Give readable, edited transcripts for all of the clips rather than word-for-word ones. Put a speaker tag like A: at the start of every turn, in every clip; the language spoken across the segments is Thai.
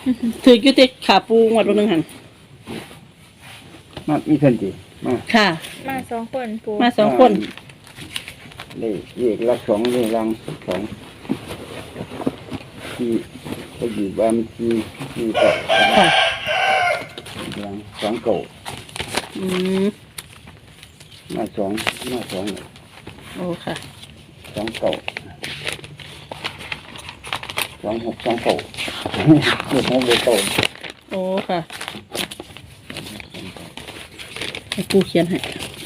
A: ถือยุติขาปูงวดบางหนึ่งหัน
B: มามีเพิ่นสิมา
A: ค่ะ
C: มาสองคนปู
A: มาสองคน
B: เลขละ2เลขลัง2ที่ก็อยู่บ้านที่ก็
A: ค่ะ
B: ลัง2เก่ามา2
A: โอ้ค่ะ
B: 2เก่า2 6 2เก่าเลข6เลขเก่า
A: โอ้ค่ะให้ปูเขียนให้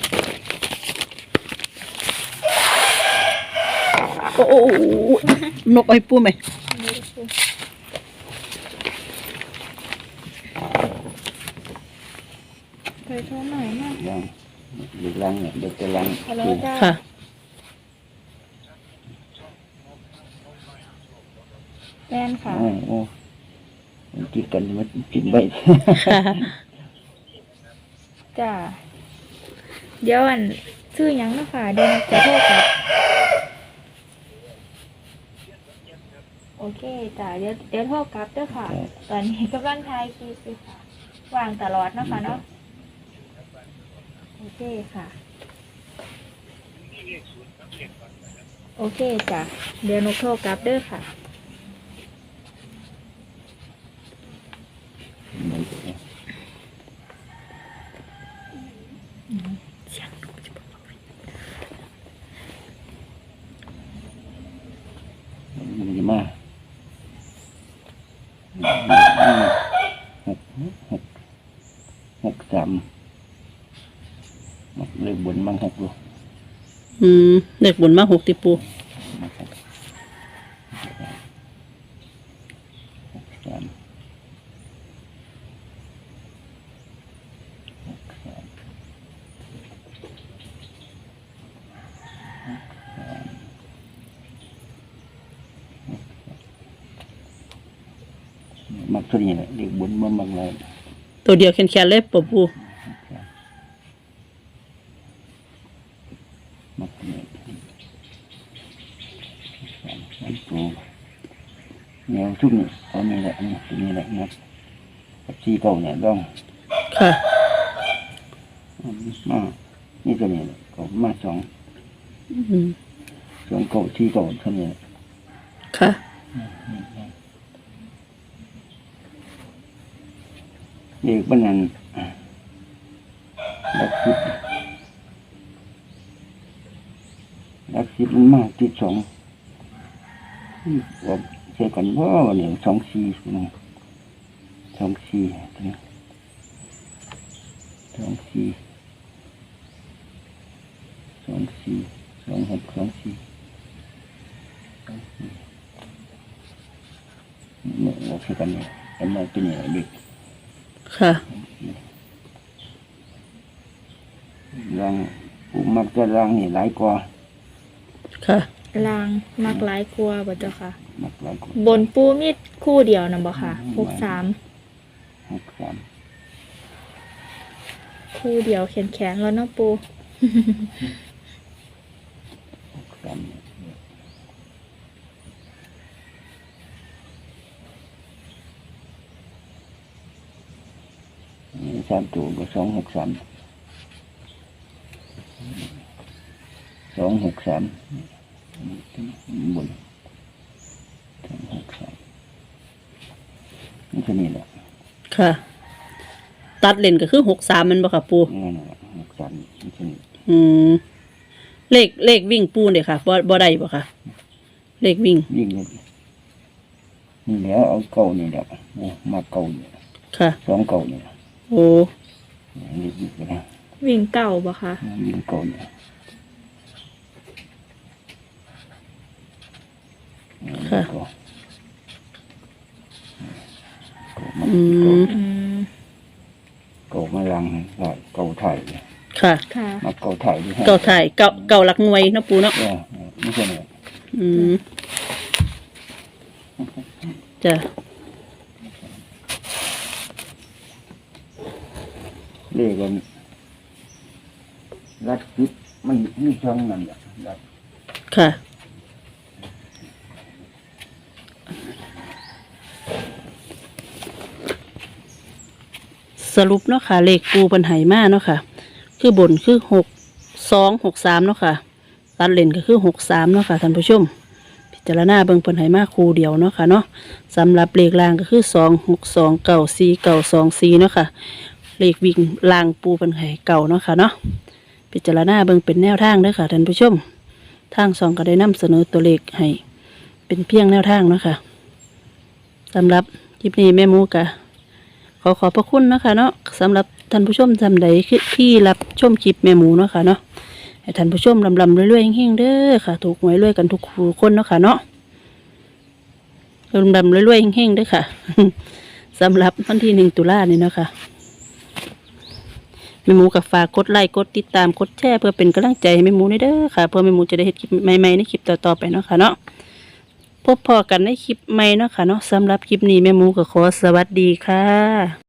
A: โอ้นกไอ้ปูไหม
C: ไปโทรหน่อยมาก
B: เด็กลังเนี่ยเด็กจะลัง
A: ค่ะ
C: แม่นค่ะ
B: โอ้กินกันมันกินไป
C: จ้าเดี๋ยวชื่อยังนะคะเดี๋ยวจะโทษครับโอเคจ้าเดี๋ยวโทษครับเด้อค่ะตอนนี้กำลังทายคีสิค่ะวางตลอดนะคะเนาะโอเคค่ะโอเคจ้ะเดี๋ยวนกโทรกลับเด้อค่ะ
B: มันมา6 3เลยบนมัน6ลูก
A: เด็กบนมา6ติปู
B: มักตัวนี้แหละเด็กบนมันบางเลย
A: ตัวเดียวแข็งๆเลยปู
B: มักนี่มันปูแนวชุดนี้เอานี่แหละนี่ตัวนี้แหละนะที่เก่าเนี่ยต้อง
A: ค่ะ
B: มานี่ตัวนี้ก็มา2เก่าที่เก่าเท่านี้
A: ค่ะ
B: เด็กบ้านนั้นลักสิบมันมากที่2ว่าใช่กันว่าเนี่ย2 4นะ2 4ตัวนี้2 4 2 4 2 6 2 4เนี่ยว่าใช่กันเนี่ยแต่มาตัวนี้เด็ก
A: ค่ะ
B: รังปูมักจะรังนี่หลายกว่า
A: ค่ะ
C: ลางมักหลายกลัวบ่เจ้าค่ะ
B: มักหลายกว่า
C: บนปูมีดคู่เดียวนะบ่ค่ะ63คู่เดียวแขนแล้วเนาะปู
B: 3ตัวก็2 6 3 2 6 3บน2 6 3นี่แค่นี้แหละ
A: ค่ะตัดเลนก็คือ63มันบ่ค่ะปู
B: นี่แหละ6 3นี่แค่นี้
A: เลขวิ่งปูเนี่ยค่ะบ่ได้บ่ค่ะเลขวิ่ง
B: เลยนี่แล้วเอาเก่านี่แหละมาเก่าเนี่ย
A: ค่ะ
B: 2 เก่าเนี่ย
A: โอ้
B: นี่นะ
C: วิ่งเก่าบ่คะ
B: วิ่งเก่าเนี่ย
A: ค่ะ
B: เก่ามาลังเก่าไทย
A: ค่ะ
B: มาเก่าไทย
A: เก่าไทยเก่าหลักหน่วยนะปูเนาะ
B: ไม่ใช่เนี่ย
A: จ้ะ
B: เลขกันรัดคิดไม่มีช่องนั่นแหละ
A: ค่ะสรุปเนาะค่ะเลขปูเพิ่นให้มาเนาะค่ะคือบนคือ6263เนาะค่ะตัดเลนก็คือ63เนาะค่ะท่านผู้ชมพิจารณาเบิ่งเพิ่นให้มาคู่เดียวเนาะค่ะเนาะสำหรับเลขล่างก็คือ262949224เนาะค่ะเลขวิ่งล่างปูเพิ่นให้เก่าเนาะค่ะเนาะพิจารณาเบิ่งเป็นแนวทางเด้อค่ะท่านผู้ชมทางสองก็ได้นำเสนอตัวเลขให้เป็นเพียงแนวทางเนาะค่ะสำหรับคลิปนี้แม่หมูกะขอบพระคุณเนาะค่ะเนาะสำหรับท่านผู้ชมจำใดที่รับชมคลิปแม่หมูเนาะค่ะเนาะให้ท่านผู้ชมลำรวยๆเฮงๆเด้อค่ะถูกหวยรวยกันทุกคนเนาะค่ะเนาะลำรวยๆเฮงๆเด้อค่ะ สำหรับวันที่1 ตุลานี่เนาะค่ะแม่หมูกับฝากกดไลค์กดติดตามกดแชร์เพื่อเป็นกำลังใจให้แม่หมูเด้อค่ะเพื่อแม่หมูจะได้เห็นคลิปใหม่ๆในคลิปต่อๆไปเนาะค่ะเนาะพบพอกันในคลิปใหม่เนาะค่ะเนาะสำหรับคลิปนี้แม่หมูก็ขอสวัสดีค่ะ